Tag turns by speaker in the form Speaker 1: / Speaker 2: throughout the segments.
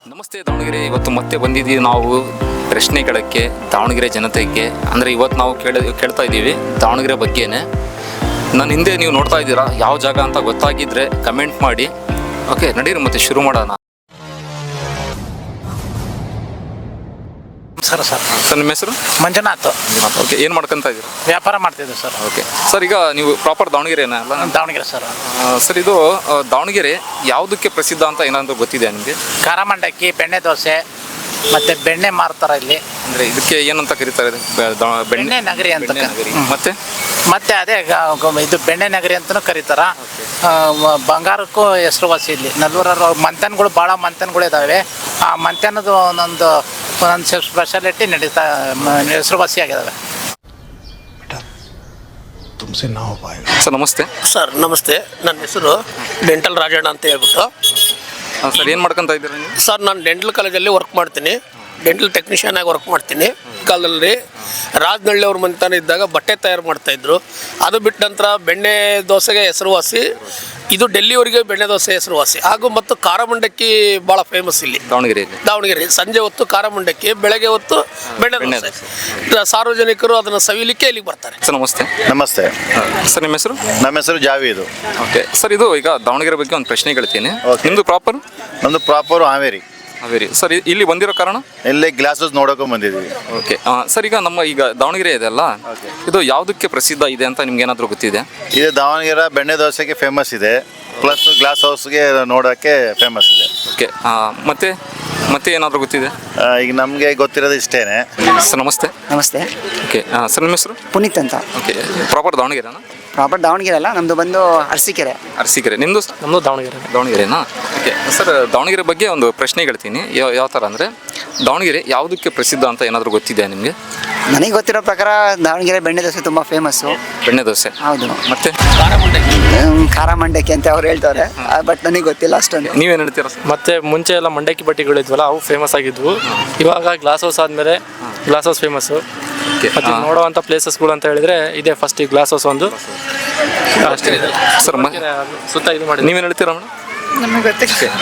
Speaker 1: ನಮಸ್ತೆ ದಾವಣಗೆರೆ. ಇವತ್ತು ಮತ್ತೆ ಬಂದಿದ್ದೀವಿ ನಾವು ಪ್ರಶ್ನೆ ಕೇಳೋಕ್ಕೆ ದಾವಣಗೆರೆ ಜನತೆಗೆ. ಅಂದರೆ ಇವತ್ತು ನಾವು ಕೇಳ್ತಾ ಇದ್ದೀವಿ ದಾವಣಗೆರೆ ಬಗ್ಗೆನೇ. ನನ್ನ ಹಿಂದೆ ನೀವು ನೋಡ್ತಾ ಇದ್ದೀರಾ, ಯಾವ ಜಾಗ ಅಂತ ಗೊತ್ತಾಗಿದ್ದರೆ ಕಮೆಂಟ್ ಮಾಡಿ. ಓಕೆ, ನಡೀರಿ ಮತ್ತೆ ಶುರು ಮಾಡೋಣ.
Speaker 2: ಸರ್
Speaker 1: ನಿಮ್ಮ ಹೆಸರು?
Speaker 2: ಮಂಜುನಾಥ್.
Speaker 1: ಓಕೆ, ಏನು ಮಾಡ್ಕೊಂತ ಇದ್ದೀರಾ?
Speaker 2: ವ್ಯಾಪಾರ ಮಾಡ್ತಿದ್ದೆ ಸರ್.
Speaker 1: ಓಕೆ ಸರ್, ಈಗ ನೀವು ಪ್ರಾಪರ್ ದಾವಣಗೆರೆನ ಅಲ್ಲ?
Speaker 2: ದಾವಣಗೆರೆ ಸರ್.
Speaker 1: ಸರ್, ಇದು ದಾವಣಗೆರೆ ಯಾವುದಕ್ಕೆ ಪ್ರಸಿದ್ಧ ಅಂತ ಏನಾದರೂ ಗೊತ್ತಿದೆ ನಿಮಗೆ?
Speaker 2: ಖಾರ ಮಂಡಕ್ಕಿ, ಬೆಣ್ಣೆ ದೋಸೆ ಮತ್ತೆ ಬೆಣ್ಣೆ ಮಾರ್ತಾರ ಇಲ್ಲಿ.
Speaker 1: ಅಂದರೆ ಇದಕ್ಕೆ ಏನಂತ ಕರೀತಾರೆ?
Speaker 2: ಬೆಣ್ಣೆ ನಗರಿ ಅಂತ.
Speaker 1: ಮತ್ತೆ
Speaker 2: ಮತ್ತೆ ಅದೇ ಇದು ಬೆಣ್ಣೆ ನಗರಿ ಅಂತಲೂ ಕರೀತಾರ. ಬಂಗಾರಕ್ಕೂ ಹೆಸರುವಾಸಿ ಇಲ್ಲಿ. ನಲ್ವರ ಮಂಥನ್ಗಳು, ಭಾಳ ಮಂಥನ್ಗಳು ಇದ್ದಾವೆ. ಆ ಮಂಥನದು ಒಂದೊಂದು ಸ್ಪೆಷಾಲಿಟಿ ನಡೀತಾ ಹೆಸರುವಾಸಿ ಆಗಿದ್ದಾವೆ.
Speaker 1: ಸರ್ ನಮಸ್ತೆ.
Speaker 3: ಸರ್ ನಮಸ್ತೆ, ನನ್ನ ಹೆಸರು ಡೆಂಟಲ್ ರಾಜಣ್ಣ ಅಂತ ಹೇಳ್ಬಿಟ್ಟು.
Speaker 1: ಸರ್, ಏನು ಮಾಡ್ಕೊತಾ ಇದ್ದೀರಾ ನೀವು?
Speaker 3: ಸರ್ ನಾನು ಡೆಂಟಲ್ ಕಾಲೇಜಲ್ಲಿ ವರ್ಕ್ ಮಾಡ್ತೀನಿ, ಡೆಂಟಲ್ ಟೆಕ್ನಿಷಿಯನ್ ಆಗಿ ವರ್ಕ್ ಮಾಡ್ತೀನಿ. ಕಾಲದಲ್ಲಿ ರಾಜನಹಳ್ಳಿ ಅವ್ರ ಮನೆತನ ಇದ್ದಾಗ ಬಟ್ಟೆ ತಯಾರು ಮಾಡ್ತಾಯಿದ್ರು. ಅದು ಬಿಟ್ಟ ನಂತರ ಬೆಣ್ಣೆ ದೋಸೆಗೆ ಹೆಸರುವಾಸಿ. ಇದು ಡೆಲ್ಲಿವರೆಗೆ ಬೆಣ್ಣೆ ದೋಸೆ ಹೆಸರುವಾಸಿ. ಹಾಗೂ ಮತ್ತು ಖಾರ ಮಂಡಕ್ಕಿ ಭಾಳ ಫೇಮಸ್ ಇಲ್ಲಿ ದಾವಣಗೆರೆ. ಸಂಜೆ ಹೊತ್ತು ಖಾರ ಮಂಡಕ್ಕಿ, ಬೆಳಗ್ಗೆ ಹೊತ್ತು ಬೆಣ್ಣೆ ದೋಸೆ. ಸಾರ್ವಜನಿಕರು ಅದನ್ನು ಸವಿಲಿಕ್ಕೆ ಇಲ್ಲಿಗೆ ಬರ್ತಾರೆ.
Speaker 1: ಸರ್ ನಮಸ್ತೆ.
Speaker 4: ನಮಸ್ತೆ
Speaker 1: ಸರ್, ನಿಮ್ಮ ಹೆಸರು?
Speaker 4: ನಮ್ಮ ಹೆಸರು ಜಾವೀದು.
Speaker 1: ಓಕೆ ಸರ್, ಇದು ಈಗ ದಾವಣಗೆರೆ ಬಗ್ಗೆ ಒಂದು ಪ್ರಶ್ನೆ ಕೇಳ್ತೀನಿ. ನಿಮ್ಮದು ಪ್ರಾಪರ್?
Speaker 4: ನಮ್ಮದು ಪ್ರಾಪರು ಹಾವೇರಿ.
Speaker 1: ಸರ್, ಇಲ್ಲಿ ಬಂದಿರೋ ಕಾರಣ?
Speaker 4: ಇಲ್ಲೇ ಗ್ಲಾಸಸ್ ನೋಡೋಕೆ ಬಂದಿದ್ದೀವಿ.
Speaker 1: ಓಕೆ ಸರ್, ಈಗ ನಮ್ಮ ದಾವಣಗೆರೆ ಇದೆ ಅಲ್ಲ, ಇದು ಯಾವುದಕ್ಕೆ ಪ್ರಸಿದ್ಧ ಇದೆ ಅಂತ ನಿಮ್ಗೆ ಏನಾದರೂ ಗೊತ್ತಿದೆ?
Speaker 4: ಇದು ದಾವಣಗೆರೆ ಬೆಣ್ಣೆ ದೋಸೆಗೆ ಫೇಮಸ್ ಇದೆ, ಪ್ಲಸ್ ಗ್ಲಾಸ್ ಹೌಸ್ಗೆ ನೋಡೋಕ್ಕೆ ಫೇಮಸ್ ಇದೆ.
Speaker 1: ಓಕೆ, ಮತ್ತೆ ಏನಾದರೂ ಗೊತ್ತಿದೆ?
Speaker 4: ಈಗ ನಮಗೆ ಗೊತ್ತಿರೋದು ಇಷ್ಟೇನೆ.
Speaker 1: ಸರ್ ನಮಸ್ತೆ.
Speaker 5: ನಮಸ್ತೆ.
Speaker 1: ಓಕೆ ಸರ್, ನಿಮ್ಮ ಹೆಸರು?
Speaker 5: ಪುನೀತ್ ಅಂತ.
Speaker 1: ಓಕೆ, ಪ್ರಾಪರ್ ದಾವಣಗೆರೆನಾ?
Speaker 5: ಪ್ರಾಪರ್ ದಾವಣಗೆರೆ ಅಲ್ಲ, ನಮ್ಮದು ಬಂದು ಅರಸೀಕೆರೆ.
Speaker 1: ನಿಮ್ಮದು?
Speaker 2: ನಮ್ಮದು
Speaker 1: ದಾವಣಗೆರೆನಾ? ಓಕೆ ಸರ್, ದಾವಣಗೆರೆ ಬಗ್ಗೆ ಒಂದು ಪ್ರಶ್ನೆ ಹೇಳ್ತೀನಿ. ಯಾವ ಥರ ಅಂದರೆ, ದಾವಣಗೆರೆ ಯಾವುದಕ್ಕೆ ಪ್ರಸಿದ್ಧ ಅಂತ ಏನಾದರೂ ಗೊತ್ತಿದೆ ನಿಮಗೆ?
Speaker 5: ನನಗೆ ಗೊತ್ತಿರೋ ಪ್ರಕಾರ ದಾವಣಗೆರೆ ಬೆಣ್ಣೆ ದೋಸೆ ತುಂಬ ಫೇಮಸ್ಸು.
Speaker 1: ಬೆಣ್ಣೆ ದೋಸೆ,
Speaker 5: ಹೌದು.
Speaker 1: ಮತ್ತೆ
Speaker 5: ಖಾರ ಮಂಡಕ್ಕಿ ಅಂತ ಅವ್ರು ಹೇಳ್ತಾರೆ, ಬಟ್ ನನಗೆ ಗೊತ್ತಿಲ್ಲ ಅಷ್ಟೊಂದು.
Speaker 1: ನೀವೇನು ಹೇಳ್ತೀರಾ ಸರ್?
Speaker 6: ಮತ್ತೆ ಮುಂಚೆ ಎಲ್ಲ ಮಂಡಕ್ಕಿ ಬಟ್ಟೆಗಳಿದ್ವಲ್ಲ, ಅವು ಫೇಮಸ್ ಆಗಿದ್ವು. ಇವಾಗ ಗ್ಲಾಸ್ ಹೌಸ್ ಆದಮೇಲೆ ಗ್ಲಾಸ್ ಹೌಸ್ ಫೇಮಸ್ಸು. ಮತ್ತೆ ನೋಡುವಂಥ ಪ್ಲೇಸಸ್ಗಳು ಅಂತ ಹೇಳಿದ್ರೆ ಇದೆ. ಫಸ್ಟ್ ಈ ಗ್ಲಾಸ್ ಹೌಸ್ ಒಂದು ಅಷ್ಟೇ
Speaker 1: ಸರ್.
Speaker 6: ಸುತ್ತ ಇದು ಮಾಡಿ.
Speaker 1: ನೀವೇನು ಹೇಳ್ತೀರಾ ಮೇಡಮ್?
Speaker 5: ನಮಗೆ ಗೊತ್ತಿಲ್ಲ.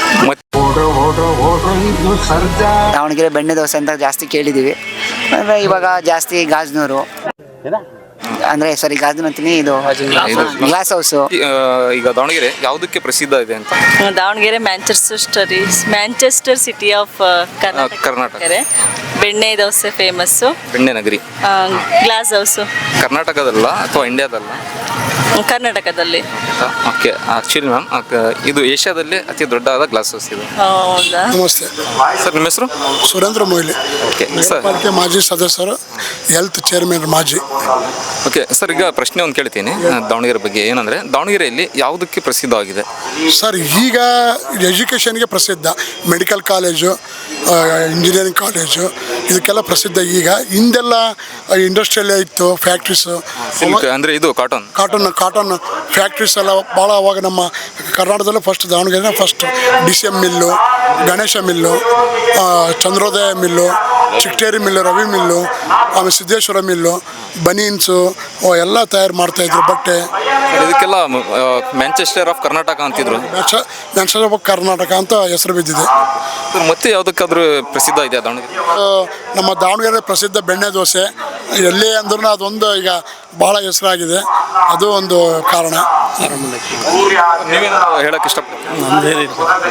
Speaker 5: ದಾವಣಗೆರೆ ಬೆಣ್ಣೆ ದೋಸೆ ಅಂತ ಜಾಸ್ತಿ ಕೇಳಿದ್ದೀವಿ. ಅಂದರೆ ಇವಾಗ ಜಾಸ್ತಿ ಗಾಜನೂರು, ಅಂದರೆ ಸಾರಿ ಗಾಜನೂರು ಅಂತೀನಿ, ಇದು ಗ್ಲಾಸ್ ಹೌಸು.
Speaker 1: ಈಗ ದಾವಣಗೆರೆ ಯಾವುದಕ್ಕೆ ಪ್ರಸಿದ್ಧ ಇದೆ ಅಂತ?
Speaker 7: Davangere Manchester city of Karnataka. Benne dosa famous.
Speaker 1: ಬೆಣ್ಣೆ ನಗರಿ.
Speaker 7: ಗ್ಲಾಸ್ ಹೌಸು
Speaker 1: ಕರ್ನಾಟಕದಲ್ಲ ಅಥವಾ ಇಂಡಿಯಾದಲ್ಲ?
Speaker 7: ಕರ್ನಾಟಕದಲ್ಲಿ.
Speaker 1: ಓಕೆ, ಆ್ಯಕ್ಚುಲಿ ಮ್ಯಾಮ್ ಇದು ಏಷ್ಯಾದಲ್ಲಿ ಅತಿ ದೊಡ್ಡದಾದ ಗ್ಲಾಸ್ ಹೌಸ್ ಇದು.
Speaker 7: ಹೌದಾ?
Speaker 8: ನಮಸ್ತೆ
Speaker 1: ಸರ್, ನಿಮ್ಮ ಹೆಸರು?
Speaker 8: ಸುರೇಂದ್ರ ಮೊಯ್ಲಿ.
Speaker 1: Okay sir.
Speaker 8: ಪಾಲಿಕೆ ಮಾಜಿ ಸದಸ್ಯರು, ಹೆಲ್ತ್ ಚೇರ್ಮನ್ ಮಾಜಿ.
Speaker 1: ಓಕೆ ಸರ್, ಈಗ ಪ್ರಶ್ನೆ ಒಂದು ಕೇಳ್ತೀನಿ ದಾವಣಗೆರೆ ಬಗ್ಗೆ. ಏನಂದರೆ, ದಾವಣಗೆರೆಯಲ್ಲಿ ಯಾವುದಕ್ಕೆ ಪ್ರಸಿದ್ಧವಾಗಿದೆ?
Speaker 8: ಸರ್, ಈಗ ಎಜುಕೇಷನ್ಗೆ ಪ್ರಸಿದ್ಧ. ಮೆಡಿಕಲ್ ಕಾಲೇಜು, ಇಂಜಿನಿಯರಿಂಗ್ ಕಾಲೇಜು, ಇದಕ್ಕೆಲ್ಲ ಪ್ರಸಿದ್ಧ. ಈಗ ಹಿಂದೆಲ್ಲ ಇಂಡಸ್ಟ್ರಿಯಲ್ಲೇ ಇತ್ತು, ಫ್ಯಾಕ್ಟ್ರೀಸು.
Speaker 1: ಅಂದರೆ ಇದು
Speaker 8: ಕಾಟನ್ ಫ್ಯಾಕ್ಟ್ರೀಸ್ ಎಲ್ಲ ಭಾಳ. ಅವಾಗ ನಮ್ಮ ಕರ್ನಾಟಕದಲ್ಲೂ first Davangere first DCM mill, Ganesha mill, Chandrodaya mill, Chikkateri mill, Ravi mill, ಆಮೇಲೆ ಸಿದ್ದೇಶ್ವರ ಮಿಲ್ಲು, ಬನೀನ್ಸು ಎಲ್ಲ ತಯಾರು ಮಾಡ್ತಾಯಿದ್ರು ಬಟ್ಟೆ.
Speaker 1: ಇದಕ್ಕೆಲ್ಲ ಮ್ಯಾಂಚೆಸ್ಟರ್ ಆಫ್ ಕರ್ನಾಟಕ ಅಂತಿದ್ರು.
Speaker 8: ಮ್ಯಾಂಚೆಸ್ಟರ್ ಆಫ್ ಕರ್ನಾಟಕ ಅಂತ ಹೆಸರು ಬಿದ್ದಿದೆ.
Speaker 1: ಮತ್ತೆ ಯಾವುದಕ್ಕಾದ್ರೂ ಪ್ರಸಿದ್ಧ ಇದೆ ದಾವಣಗೆರೆ?
Speaker 8: ನಮ್ಮ ದಾವಣಗೆರೆ ಪ್ರಸಿದ್ಧ ಬೆಣ್ಣೆ ದೋಸೆ. ಎಲ್ಲೇ ಅಂದ್ರೂ ಅದೊಂದು ಈಗ ಭಾಳ ಹೆಸರಾಗಿದೆ, ಅದು ಒಂದು ಕಾರಣ.
Speaker 1: ನೀವೇನು ಹೇಳಕ್ಕೆ ಇಷ್ಟಪಡ್ತೀನಿ?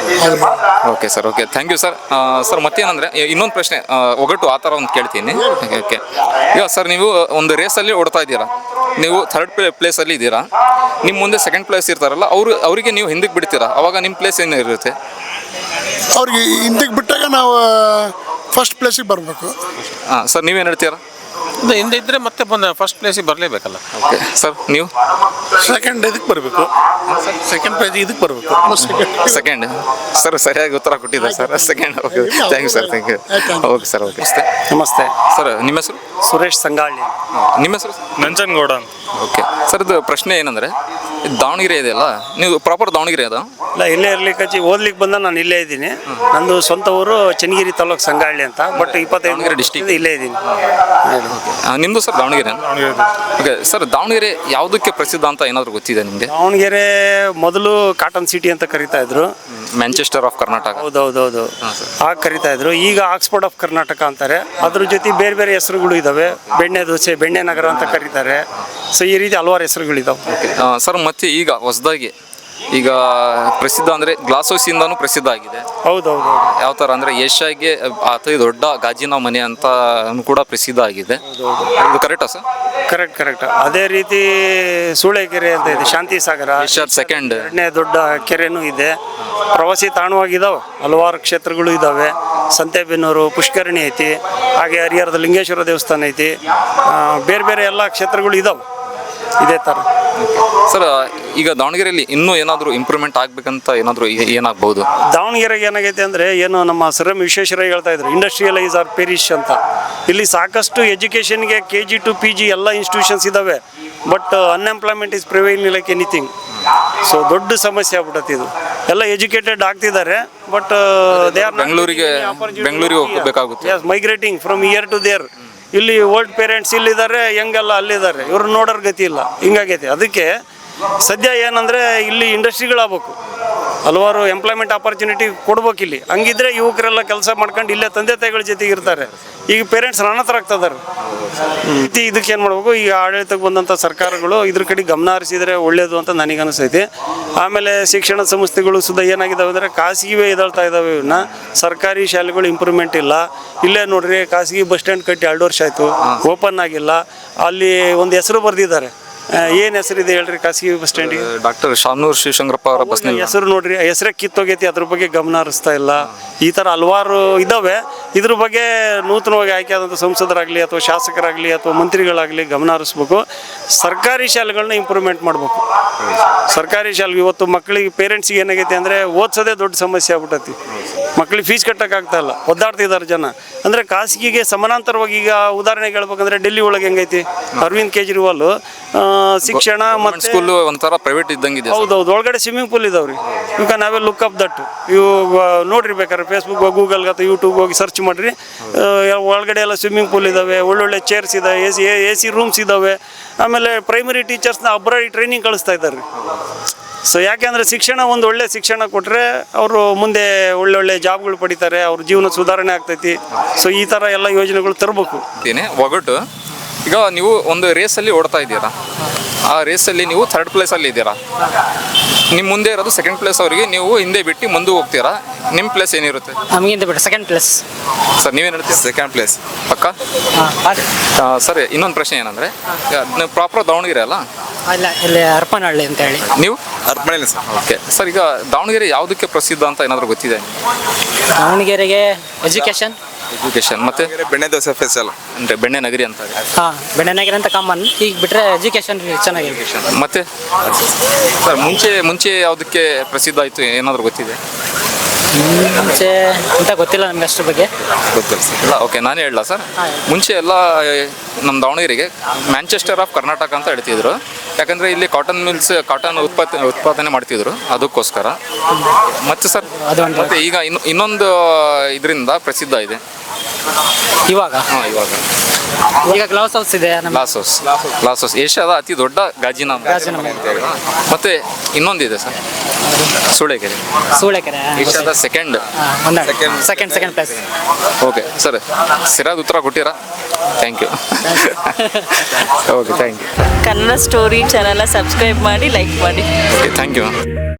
Speaker 1: Okay sir, okay, thank you sir. Sir, ಮತ್ತೇನಂದರೆ ಇನ್ನೊಂದು ಪ್ರಶ್ನೆ, ಒಗಟು ಆ ಥರ ಒಂದು ಕೇಳ್ತೀನಿ. ಓಕೆ, ಈಗ ಸರ್, ನೀವು ಒಂದು ರೇಸಲ್ಲಿ ಓಡ್ತಾ ಇದ್ದೀರಾ, ನೀವು ಥರ್ಡ್ ಪ್ಲೇಸಲ್ಲಿ ಇದ್ದೀರಾ. ನಿಮ್ಮ ಮುಂದೆ ಸೆಕೆಂಡ್ ಪ್ಲೇಸ್ ಇರ್ತಾರಲ್ಲ, ಅವರಿಗೆ ನೀವು ಹಿಂದಕ್ಕೆ ಬಿಡ್ತೀರಾ, ಅವಾಗ ನಿಮ್ಮ ಪ್ಲೇಸ್ ಏನು ಇರುತ್ತೆ?
Speaker 8: ಅವ್ರಿಗೆ ಹಿಂದಕ್ಕೆ ಬಿಟ್ಟಾಗ ನಾವು ಫಸ್ಟ್ ಪ್ಲೇಸಿಗೆ ಬರಬೇಕು.
Speaker 1: ಹಾಂ ಸರ್, ನೀವೇನು ಹೇಳ್ತೀರಾ?
Speaker 9: ಹಿಂದೆ ಇದ್ದರೆ ಮತ್ತೆ ಫಸ್ಟ್ ಪ್ಲೇಸಿಗೆ ಬರಲೇಬೇಕಲ್ಲ.
Speaker 1: ಓಕೆ ಸರ್, ನೀವು?
Speaker 9: ಸೆಕೆಂಡ್ ಇದಕ್ಕೆ ಬರಬೇಕು, ಸೆಕೆಂಡ್ ಪ್ರೈಸ್ ಇದಕ್ಕೆ ಬರಬೇಕು.
Speaker 1: ಸೆಕೆಂಡ್ ಸರ್, ಸರಿಯಾಗಿ ಉತ್ತರ ಕೊಟ್ಟಿದ್ದಾರೆ sir. Second. Okay, thank you sir, thank you. Okay sir, okay.
Speaker 6: ನಮಸ್ತೆ
Speaker 1: ಸರ್, ನಿಮ್ಮ ಹೆಸರು?
Speaker 6: ಸುರೇಶ್ ಸಂಗಾಳಿ.
Speaker 1: ನಿಮ್ಮ ಹೆಸರು?
Speaker 6: ನಂಜನಗೌಡ.
Speaker 1: ಓಕೆ ಸರ್, ಇದು ಪ್ರಶ್ನೆ ಏನಂದರೆ, ದಾವಣಗೆರೆ ಇದೆಯಲ್ಲ, ನೀವು ಪ್ರಾಪರ್ ದಾವಣಗೆರೆ ಅದ?
Speaker 10: ಇಲ್ಲ, ಇಲ್ಲೇ ಇರ್ಲಿಕ್ಕೆ ಓದ್ಲಿಕ್ಕೆ ಬಂದ ನಾನು ಇಲ್ಲೇ ಇದ್ದೀನಿ. ನಂದು ಸ್ವಂತ ಊರು ಚನ್ನಗಿರಿ ತಾಲೂಕು ಸಂಗಾಳಿ ಅಂತ, ಬಟ್ 25
Speaker 1: ಡಿಸ್ಟಿಕ್
Speaker 10: ಇಲ್ಲೇ ಇದ್ದೀನಿ.
Speaker 1: ನಿಮ್ಮದು sir Davangere okay sir Davangere ಯಾವುದಕ್ಕೆ ಪ್ರಸಿದ್ಧ ಅಂತ ಏನಾದರೂ ಗೊತ್ತಿದೆ ನಿಮಗೆ?
Speaker 10: ದಾವಣಗೆರೆ ಮೊದಲು ಕಾಟನ್ ಸಿಟಿ ಅಂತ ಕರಿತಾ ಇದ್ರು.
Speaker 1: Manchester of Karnataka.
Speaker 10: ಹೌದೌದೌದು, ಆಗ ಕರಿತಾ ಇದ್ರು. ಈಗ ಆಕ್ಸ್ಫರ್ಡ್ ಆಫ್ ಕರ್ನಾಟಕ ಅಂತಾರೆ. ಅದ್ರ ಜೊತೆ ಬೇರೆ ಬೇರೆ ಹೆಸರುಗಳು ಇದಾವೆ. ಬೆಣ್ಣೆ ದೋಸೆ, ಬೆಣ್ಣೆ ನಗರ ಅಂತ ಕರೀತಾರೆ. ಸೊ ಈ ರೀತಿ ಹಲವಾರು ಹೆಸರುಗಳಿದಾವೆ.
Speaker 1: ಸರ್ ಮತ್ತೆ ಈಗ ಹೊಸದಾಗಿ ಈಗ ಪ್ರಸಿದ್ಧ ಅಂದರೆ ಗ್ಲಾಸ್ ಹೌಸಿಂದನೂ ಪ್ರಸಿದ್ಧ ಆಗಿದೆ.
Speaker 10: ಹೌದೌದು.
Speaker 1: ಯಾವ ಥರ ಅಂದರೆ ಏಷ್ಯಾಗೆ ಅತಿ ದೊಡ್ಡ ಗಾಜಿನ ಮನೆ ಅಂತ ಕೂಡ ಪ್ರಸಿದ್ಧ ಆಗಿದೆ. ಇದು ಕರೆಕ್ಟಾ ಸರ್?
Speaker 10: ಕರೆಕ್ಟ್. ಅದೇ ರೀತಿ ಸೂಳೆಕೆರೆ ಅಂತ ಇದೆ, ಶಾಂತಿ ಸಾಗರ
Speaker 1: ಏಷ್ಯಾದ ಸೆಕೆಂಡ್
Speaker 10: ಎರಡನೇ ದೊಡ್ಡ ಕೆರೆನೂ ಇದೆ. ಪ್ರವಾಸಿ ತಾಣವಾಗಿದ್ದಾವೆ, ಹಲವಾರು ಕ್ಷೇತ್ರಗಳು ಇದ್ದಾವೆ. ಸಂತೆಬೆನ್ನೂರು, ಪುಷ್ಕರಣಿ ಐತಿ, ಹಾಗೆ ಹರಿಹರದ ಲಿಂಗೇಶ್ವರ ದೇವಸ್ಥಾನ ಐತಿ. ಬೇರೆ ಬೇರೆ ಎಲ್ಲ ಕ್ಷೇತ್ರಗಳು ಇದ್ದಾವೆ ಇದೇ ಥರ.
Speaker 1: ಸರ್ ಈಗ ದಾವಣಗೆರೆಯಲ್ಲಿ ಇನ್ನೂ ಏನಾದರೂ ಇಂಪ್ರೂವ್ಮೆಂಟ್ ಆಗಬೇಕಂತ ಏನಾದರೂ ಏನಾಗ್ಬೋದು?
Speaker 10: ದಾವಣಗೆರೆಗೆ ಏನಾಗೈತೆ ಅಂದರೆ, ಏನು ನಮ್ಮ ಸರ್ ಎಂ ವಿಶ್ವೇಶ್ವರಯ್ಯ ಹೇಳ್ತಾ ಇದ್ರು, ಇಂಡಸ್ಟ್ರಿಯಲೈಸ್ ಆರ್ ಪೆರಿಶ್ ಅಂತ. ಇಲ್ಲಿ ಸಾಕಷ್ಟು ಎಜುಕೇಷನ್ಗೆ KG to PG ಎಲ್ಲ ಇನ್ಸ್ಟಿಟ್ಯೂಷನ್ಸ್ ಇದ್ದಾವೆ. But unemployment is prevailing like anything. So ದೊಡ್ಡ ಸಮಸ್ಯೆ ಆಗ್ಬಿಟ್ಟತಿ ಇದು. ಎಲ್ಲ ಎಜುಕೇಟೆಡ್ ಆಗ್ತಿದ್ದಾರೆ, ಬಟ್ ದೇ ಆರ್
Speaker 1: ಬೆಂಗಳೂರಿಗೆ ಹೋಗಬೇಕಾಗುತ್ತೆ.
Speaker 10: Migrating from here to there. ಇಲ್ಲಿ ಓಲ್ಡ್ ಪೇರೆಂಟ್ಸ್ ಇಲ್ಲಿದ್ದಾರೆ, ಯಂಗೆಲ್ಲ ಅಲ್ಲಿದ್ದಾರೆ. ಇವ್ರು ನೋಡೋರ್ ಗತಿ ಇಲ್ಲ, ಹಿಂಗಾಗೈತೆ. ಅದಕ್ಕೆ ಸದ್ಯ ಏನಂದರೆ ಇಲ್ಲಿ ಇಂಡಸ್ಟ್ರಿಗಳಾಗಬೇಕು, ಹಲವಾರು ಎಂಪ್ಲಾಯ್ಮೆಂಟ್ ಆಪರ್ಚುನಿಟಿ ಕೊಡ್ಬೇಕು ಇಲ್ಲಿ. ಹಂಗಿದ್ರೆ ಯುವಕರೆಲ್ಲ ಕೆಲಸ ಮಾಡ್ಕೊಂಡು ಇಲ್ಲೇ ತಂದೆ ತಾಯಿಗಳ ಜೊತೆಗೆ ಇರ್ತಾರೆ. ಈಗ ಪೇರೆಂಟ್ಸ್ ಅನಾಥರಾಗ್ತಿದ್ದಾರೆ. ಇದಕ್ಕೆ ಏನು ಮಾಡಬೇಕು, ಈಗ ಆಡಳಿತಕ್ಕೆ ಬಂದಂಥ ಸರ್ಕಾರಗಳು ಇದ್ರ ಕಡೆ ಗಮನ ಹರಿಸಿದರೆ ಒಳ್ಳೆಯದು ಅಂತ ನನಗೆ ಅನಿಸ್ತೈತಿ. ಆಮೇಲೆ ಶಿಕ್ಷಣ ಸಂಸ್ಥೆಗಳು ಸುಧಾ ಏನಾಗಿದ್ದಾವೆ ಅಂದರೆ ಖಾಸಗಿವೇ ಎದಳ್ತಾ ಇದ್ದಾವೆ. ಇವನ್ನ ಸರ್ಕಾರಿ ಶಾಲೆಗಳು ಇಂಪ್ರೂವ್ಮೆಂಟ್ ಇಲ್ಲ. ಇಲ್ಲೇ ನೋಡ್ರಿ, ಖಾಸಗಿ ಬಸ್ ಸ್ಟ್ಯಾಂಡ್ ಕಟ್ಟಿ 2 ವರ್ಷ ಆಯಿತು, ಓಪನ್ ಆಗಿಲ್ಲ. ಅಲ್ಲಿ ಒಂದು ಹೆಸರು ಬರೆದಿದ್ದಾರೆ. ಏನು ಹೆಸರಿದೆ ಹೇಳ್ರಿ ಖಾಸಗಿ ಬಸ್ ಸ್ಟ್ಯಾಂಡಿಗೆ?
Speaker 1: ಡಾಕ್ಟರ್ ಶಾನೂರ್ ಶಿವಶಂಕರಪ್ಪ ಅವರ ಬಸ್
Speaker 10: ಹೆಸರು ನೋಡ್ರಿ, ಹೆಸರೇ ಕಿತ್ತೋಗೈತಿ. ಅದ್ರ ಬಗ್ಗೆ ಗಮನ ಹರಿಸ್ತಾ ಇಲ್ಲ. ಈ ಥರ ಹಲವಾರು ಇದ್ದಾವೆ. ಇದ್ರ ಬಗ್ಗೆ ನೂತನವಾಗಿ ಆಯ್ಕೆ ಆದಂಥ ಸಂಸದರಾಗಲಿ ಅಥವಾ ಶಾಸಕರಾಗಲಿ ಅಥವಾ ಮಂತ್ರಿಗಳಾಗಲಿ ಗಮನ ಹರಿಸ್ಬೇಕು. ಸರ್ಕಾರಿ ಶಾಲೆಗಳನ್ನ ಇಂಪ್ರೂವ್ಮೆಂಟ್ ಮಾಡಬೇಕು. ಸರ್ಕಾರಿ ಶಾಲೆಗೆ ಇವತ್ತು ಮಕ್ಕಳಿಗೆ ಪೇರೆಂಟ್ಸಿಗೆ ಏನಾಗೈತೆ ಅಂದರೆ ಓದಿಸೋದೇ ದೊಡ್ಡ ಸಮಸ್ಯೆ ಆಗ್ಬಿಟ್ಟೈತಿ. ಮಕ್ಕಳಿಗೆ ಫೀಸ್ ಕಟ್ಟೋಕ್ಕಾಗ್ತಾ ಇಲ್ಲ, ಒದ್ದಾಡ್ತಿದ್ದಾರೆ ಜನ. ಅಂದರೆ ಖಾಸಗಿಗೆ ಸಮಾನಾಂತರವಾಗಿ ಈಗ ಉದಾಹರಣೆಗೆ ಹೇಳ್ಬೇಕಂದ್ರೆ ಡೆಲ್ಲಿ ಒಳಗೆ ಹೆಂಗೈತಿ, ಅರವಿಂದ್ ಕೇಜ್ರಿವಾಲ್ ಶಿಕ್ಷಣ ಮತ್ತು
Speaker 1: ಸ್ಕೂಲ್ ಒಂಥರ ಪ್ರೈವೇಟ್ ಇದ್ದಂಗಿದೆ.
Speaker 10: ಹೌದೌದು, ಒಳಗಡೆ ಸ್ವಿಮ್ಮಿಂಗ್ ಪೂಲ್ ಇದಾವ್ರಿ. You can have a look up that. ಇವು ನೋಡ್ರಿ ಬೇಕಾದ್ರೆ ಫೇಸ್ಬುಕ್, ಗೂಗಲ್ಗೆ ಅಥವಾ ಯೂಟ್ಯೂಬ್ ಹೋಗಿ ಸರ್ಚ್ ಮಾಡಿರಿ. ಒಳಗಡೆ ಎಲ್ಲ ಸ್ವಿಮ್ಮಿಂಗ್ ಪೂಲ್ ಇದ್ದಾವೆ, ಒಳ್ಳೊಳ್ಳೆ ಚೇರ್ಸ್ ಇದಾವೆ, AC ರೂಮ್ಸ್ ಇದ್ದಾವೆ. ಆಮೇಲೆ ಪ್ರೈಮರಿ ಟೀಚರ್ಸ್ನ ಅಬ್ರಾಡ್ ಟ್ರೈನಿಂಗ್ ಕಳಿಸ್ತಾ ಇದ್ದಾರೆ. ಸೊ ಯಾಕೆಂದರೆ ಶಿಕ್ಷಣ ಒಂದು ಒಳ್ಳೆ ಶಿಕ್ಷಣ ಕೊಟ್ಟರೆ ಅವರು ಮುಂದೆ ಒಳ್ಳೊಳ್ಳೆ ಜಾಬ್ಗಳು ಪಡಿತಾರೆ, ಅವ್ರ ಜೀವನ ಸುಧಾರಣೆ ಆಗ್ತೈತಿ. ಸೊ ಈ ಥರ ಎಲ್ಲ ಯೋಜನೆಗಳು ತರಬೇಕು.
Speaker 1: ಒಗಟು ಈಗ ನೀವು ಒಂದು ರೇಸಲ್ಲಿ ಓಡ್ತಾ ಇದ್ದೀರಾ, ಆ ರೇಸಲ್ಲಿ ನೀವು 3rd ಪ್ಲೇಸಲ್ಲಿ ಇದ್ದೀರಾ. ನಿಮ್ಮ ಮುಂದೆ ಇರೋದು 2nd ಪ್ಲೇಸ್ ಅವರಿಗೆ, ನೀವು ಹಿಂದೆ ಬಿಟ್ಟು ಮುಂದೆ ಹೋಗ್ತೀರಾ. ನಿಮ್ಮ ಪ್ಲೇಸ್ ಏನಿರುತ್ತೆ?
Speaker 5: ನಮಗಿಂತ ಬಿಟ್ಟು 2nd ಪ್ಲೇಸ್.
Speaker 1: ಸರ್ ನೀವೇನು ಹೇಳ್ತೀರಾ? 2nd ಪ್ಲೇಸ್ ಪಕ್ಕ. ಸರ್ ಇನ್ನೊಂದು ಪ್ರಶ್ನೆ ಏನಂದರೆ, ನೀವು ಪ್ರಾಪರ್ ದಾವಣಗೆರೆ ಅಲ್ಲ?
Speaker 5: ಇಲ್ಲ, ಇಲ್ಲಿ ಹರಪನಹಳ್ಳಿ ಅಂತ ಹೇಳಿ.
Speaker 1: ನೀವು
Speaker 4: ಹರಪನಹಳ್ಳಿ ಸರ್.
Speaker 1: ಓಕೆ ಸರ್, ಈಗ ದಾವಣಗೆರೆ ಯಾವುದಕ್ಕೆ ಪ್ರಸಿದ್ಧ ಅಂತ ಏನಾದರೂ ಗೊತ್ತಿದೆ?
Speaker 5: ದಾವಣಗೆರೆಗೆ ಎಜುಕೇಷನ್
Speaker 1: ಮತ್ತೆ
Speaker 4: ಬೆಣ್ಣೆ ದೋಸೆ ಸ್ಪೆಷಲ್
Speaker 1: ಅಂದರೆ ಬೆಣ್ಣೆ ನಗರಿ ಅಂತ.
Speaker 5: ಹಾಂ, ಬೆಣ್ಣೆ ನಗರ ಅಂತ ಕಾಮನ್. ಈಗ ಬಿಟ್ಟರೆ ಎಜುಕೇಷನ್ ಚೆನ್ನಾಗಿದೆ.
Speaker 1: ಮತ್ತೆ ಸರ್ ಮುಂಚೆ ಯಾವುದಕ್ಕೆ ಪ್ರಸಿದ್ಧ ಆಯಿತು ಏನಾದರೂ ಗೊತ್ತಿದೆ?
Speaker 5: ಮುಂಚೆ ಅಂತ ಗೊತ್ತಿಲ್ಲ ನಮ್ಗೆ ಅದ್ರ ಬಗ್ಗೆ.
Speaker 1: ಗೊತ್ತಿಲ್ಲ ಸರ್. ಇಲ್ಲ, ಓಕೆ, ನಾನೇ ಹೇಳಲ್ಲ ಸರ್. ಮುಂಚೆ ಎಲ್ಲ ನಮ್ಮ ದಾವಣಗೆರೆಗೆ ಮ್ಯಾಂಚೆಸ್ಟರ್ ಆಫ್ ಕರ್ನಾಟಕ ಅಂತ ಹೇಳ್ತಿದ್ರು. ಯಾಕಂದರೆ ಇಲ್ಲಿ ಕಾಟನ್ ಉತ್ಪಾದನೆ ಮಾಡ್ತಿದ್ರು, ಅದಕ್ಕೋಸ್ಕರ. ಮತ್ತೆ ಸರ್ ಮತ್ತೆ ಈಗ ಇನ್ನೊಂದು ಇದರಿಂದ ಪ್ರಸಿದ್ಧ ಇದೆ
Speaker 5: ಇವಾಗ. ಈಗ ಗ್ಲಾಸ್ ಹೌಸ್ ಇದೆ.
Speaker 1: ಗ್ಲಾಸ್ ಹೌಸ್ ಏಷ್ಯಾದ ಅತಿ ದೊಡ್ಡ ಗಾಜಿನ ಮನೆ ಅಂತ ಹೇಳಿ. ಮತ್ತೆ ಇನ್ನೊಂದಿದೆ ಸರ್, ಸೂಳೆಕೆರೆ. ಏಷ್ಯಾದ ಸೆಕೆಂಡ್
Speaker 5: ಪ್ಲೇಸ್.
Speaker 1: ಓಕೆ ಸರ್, ಸರಿಯಾದ ಉತ್ತರ ಕೊಟ್ಟಿರಾ? Thank you. Okay, thank you.
Speaker 7: Kannada story ಚಾನಲ್ನ ಸಬ್ಸ್ಕ್ರೈಬ್ ಮಾಡಿ, ಲೈಕ್ ಮಾಡಿ.
Speaker 1: Okay, thank you.